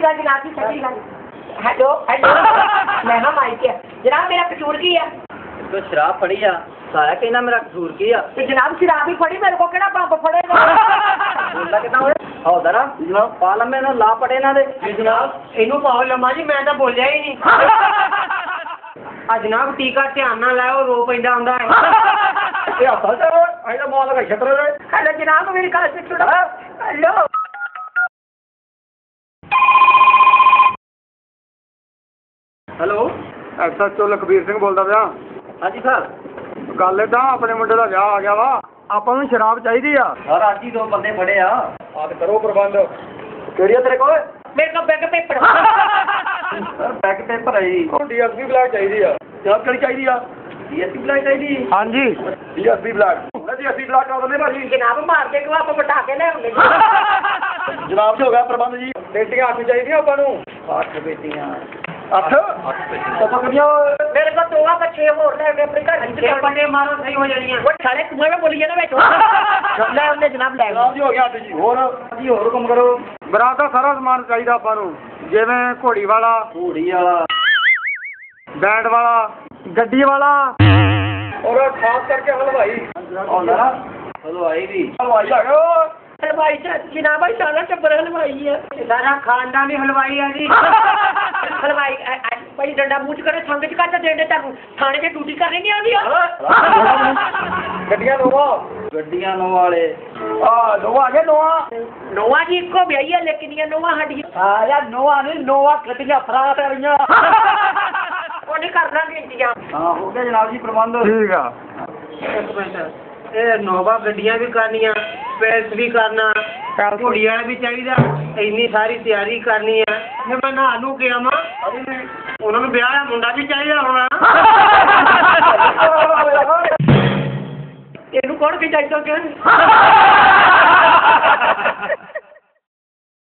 गल जनाब जी सच्ची गल। हेलो हेलो मैं हाँ माइक है जनाब मेरा कसूर की है? तो शराब फड़ी आ सारा कहना मेरा कसूर की आ तो जनाब शराब ही फड़ी मेरे को केड़ा पंप फड़ेगा? बोलता कितना होए आओ जरा जनाब पाला में ना ला पड़े ना दे जनाब इनू पाओ लम्मा जी मैं तो बोलिया ही नहीं। जनाब टीका ध्यान ना लाओ रो पैदा आंदा है। ये हत्था से आई तो माल का छतर रे हेलो जनाब मेरी गल से सुनो। Hello hello SHO Lakhbir Singh ਬੋਲਦਾ ਪਿਆ। हाँ जी सर ਗੱਲ ਏਦਾਂ ਆਪਣੇ ਮੁੰਡੇ ਦਾ ਵਿਆਹ ਆ ਗਿਆ ਵਾ ਆਪਾਂ ਨੂੰ ਸ਼ਰਾਬ ਚਾਹੀਦੀ ਆ। सर आज ही 2 बंदे फड़े आ ਆਪ ਕਰੋ ਪ੍ਰਬੰਧ। केड़ी है तेरे को मेरे को bag paper sir back paper है जी ਹੁਣ ਡੀਐਸਪੀ ਬਲੈਕ ਚਾਹੀਦੀ ਆ। जनाब कड़ी चाहिए आ डीएसपी बुलाई चाहिए ਹਾਂਜੀ ਡੀਐਸਪੀ ਬਲੈਕ ਡੀਐਸਪੀ ਬਲੈਕ ਕਰ ਦਿੰਦੇ ਭਾਜੀ। जनाब मार के आप बटा के ले आਉਂਦੇ ਜਨਾਬ ਜੀ ਹੋ ਗਿਆ ਪ੍ਰਬੰਧ ਜੀ। ਬੇਟੀਆਂ 8 ਚਾਹੀਦੀਆਂ ਆਪਾਂ ਨੂੰ। 8 बेटियां 8 तो कितनी मेरे को 2 का 6 और ले आਉਂਦੇ ਆਪਣੇ ਘਰ ਚ ਪੱਟੇ ਮਾਰੋ ਸਹੀ ਹੋ ਜਾਣੀਆਂ। ਉਹ ਸਾਲੇ ਕੁਵੇਂ ਮੈਂ ਬੋਲੀ ਜਾਣਾ ਵਿੱਚ ਲੈ ਆਉਂਦੇ ਜਨਾਬ ਲੈ ਜਨਾਬ ਜੀ ਹੋ ਗਿਆ 8 ਜੀ। ਹੋਰ जी और हुक्म करो ਬਰਾਤ ਦਾ ਸਾਰਾ ਸਮਾਨ ਚਾਹੀਦਾ ਆਪਾਂ ਨੂੰ ਜਿਵੇਂ ਘੋੜੀ ਵਾਲਾ घोड़ी वाला ਬੈਂਡ ਵਾਲਾ ਗੱਡੀ ਵਾਲਾ ਔਰ ਖਾਸ ਕਰਕੇ ਹਲਵਾਈ। और जरा हलवाई भी ਹਲਵਾਈ ਆ ਗਿਆ। हलवाई जनाब भाई सारा टब्बर हलवाई है सारा खानदान ही हलवाई है जी। हलवाई भाई डंडा मूंह करे संग च कट देंदे तानू थाने च ड्यूटी करनी नहीं आंदी। ਗੱਡੀਆਂ ਨੋਵਾ गड्डियां नो वाले ਆ ਨੋਵਾ ਆ ਗਿਆ ਨੋਵਾ। नोवा जी इको ब्याही है लेकिन ये नोवा हड्डी यार नोवा नहीं नोवा कटिया फराट रही वो नहीं करना भी इंतजाम। हाँ हो गया जनाब जी प्रबंध ਠੀਕ ਆ। ਇਹ ਨੋਵਾ ਗੱਡੀਆਂ ਵੀ ਕਰਨੀਆਂ ਪੈਸ ਵੀ ਕਰਨਾ ਘੋੜੀਆਂ ਵੀ ਚਾਹੀਦਾ ਇੰਨੀ ਸਾਰੀ ਤਿਆਰੀ ਕਰਨੀ ਹੈ ਫਿਰ ਮੈਂ ਨਾ ਨੂੰ ਕਿਹਾ ਮਾਂ ਉਹਨਾਂ ਨੂੰ ਵਿਆਹ ਦਾ ਮੁੰਡਾ ਵੀ ਚਾਹੀਦਾ ਹੋਣਾ। ਇਹਨੂੰ ਕੌਣ ਕਿ ਚਾਹੀਦਾ ਕਿ